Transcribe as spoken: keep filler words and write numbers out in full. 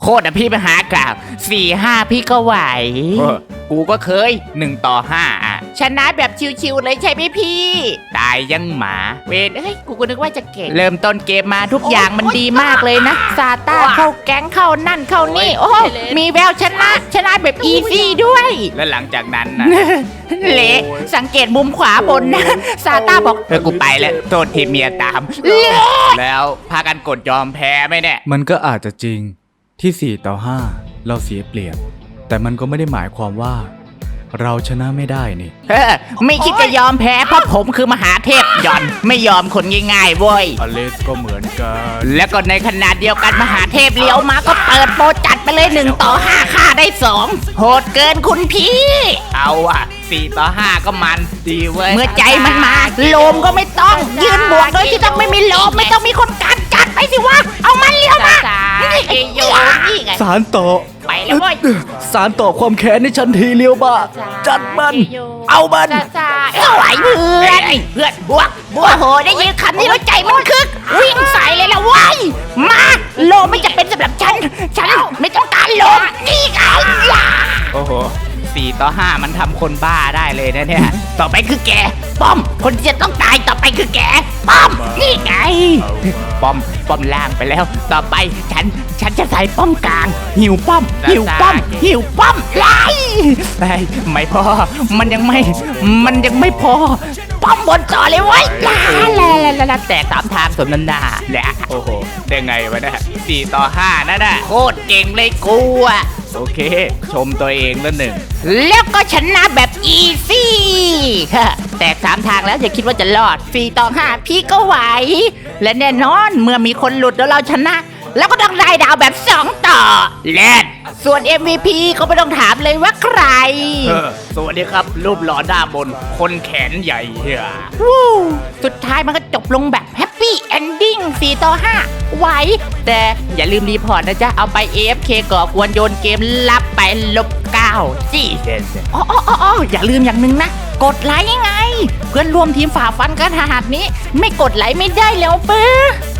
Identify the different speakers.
Speaker 1: โคตรอะพี่ไปหากล่าวสี่ห้าพี่ก็ไหวกูก็เคยหนึ่งต่อห้าอ่ะชนะแบบชิวๆเลยใช่ไหมพี่ตายยังหมาเวนเอ้ยกูก็นึกว่าจะเก่งเริ่มต้นเกมมาทุกอย่างมันดีมากเลยนะซาต้าเข้าแก๊งเข้านั่นเข้านี่โอ้มีแววชนะชนะแบบอีซี่ด้วยแล้วหลังจากนั้นนะ เละสังเกตมุมขวาบนนะซาต้าบอกเออกูไปแล้วโทษทีเมียตามเละแล้วพากันกดยอมแพ้ไหมเนี่ย
Speaker 2: มันก็อาจจะจริงที่สี่ต่อห้าเราเสียเปรียบแต่มันก็ไม่ได้หมายความว่าเราชนะไม่ได้นี่
Speaker 1: เออไม่คิดจะยอมแพ้เพราะผมคือมหาเทพหย่อนไม่ยอมคนง่ายๆเว้ย
Speaker 2: อเลสก็เหมือนกัน
Speaker 1: แล้วก็ในขณะเดียวกันมหาเทพเลี้ยวมาก็เปิดโปรจัดไปเลยหนึ่งต่อห้าฆ่าได้สองโหดเกินคุณพี่เอาอ่ะสี่ต่อห้าก็มันดีเว้ยเมื่อใจมันมาโลมก็ไม่ต้องยืนบวกโดยที่ต้องไม่มีโลมไม่ต้องมีคนกันจัดไปสิวะเอามันเลี้ยวมานี่ไงโยนี่ไง
Speaker 2: สารต่อ
Speaker 1: ไปแล้วเว้ย
Speaker 2: สารต่อความแค้นในฉันทีเลียวบ้าจัดมันเอามัน
Speaker 1: เอาไหวเพื่อนเพื่อนบวกบวกโหได้ยินคำนี้แล้วใจมันคึกวิ่งใส่เลยละเว้ยมาโลไม่จะเป็นสำหรับฉันฉันไม่ต้องการโลนี่ไงล่ะโอ้โหสี่ต่อห้ามันทำคนบ้าได้เลยนะเนี่ยต่อไปคือแกป้อมคนที่จะต้องตายต่อไปคือแกป้อมนี่ไงป้อมป้อมล่างไปแล้ว ต่อไปฉันฉันจะใส่ป้อมกลางหิวป้อมหิวป้อมหิวป้อมไล่ไล่ไม่พอมันยังไม่มันยังไม่พอป้อมบนต่อเลยเว้ยลาลาลาลาแต่ตามทางสมนันดาแหละโอ้โหได้ไงวะเนี่ยสี่ต่อห้านั่นน่ะโคตรเก่งเลยกูอะโอเคชมตัวเองแล้วหนึ่งแล้วก็ชนะแบบอีซี่แตกสามทางแล้วอย่าคิดว่าจะรอดสี่ต่อห้าพี่ก็ไหวและแน่นอนเมื่อมีคนหลุดแล้วเราชนะ แล้วก็ต้องได้ดาวแบบสองต่อเล่นส่วน เอ็ม วี พี ก็ไม่ต้องถามเลยว่าใครสวัสดีครับรูปหล่อด้านบนคนแขนใหญ่เฮียสุดท้ายมันก็จบลงแบบแฮปปี้เอนดิ้งสี่ต่อห้าไหวแต่อย่าลืมรีพอร์ตนะจ๊ะ เอาไป เอ เอฟ เค ก่อกวนโยนเกมรับไปลบเก้าจี้เซนอ๋ออ๋ออ๋ออย่าลืมอย่างหนึ่งนะ กดไลค์ไง เพื่อนร่วมทีมฝ่าฟันกันขนาดนี้ ไม่กดไลค์ไม่ได้แล้วเปื้อ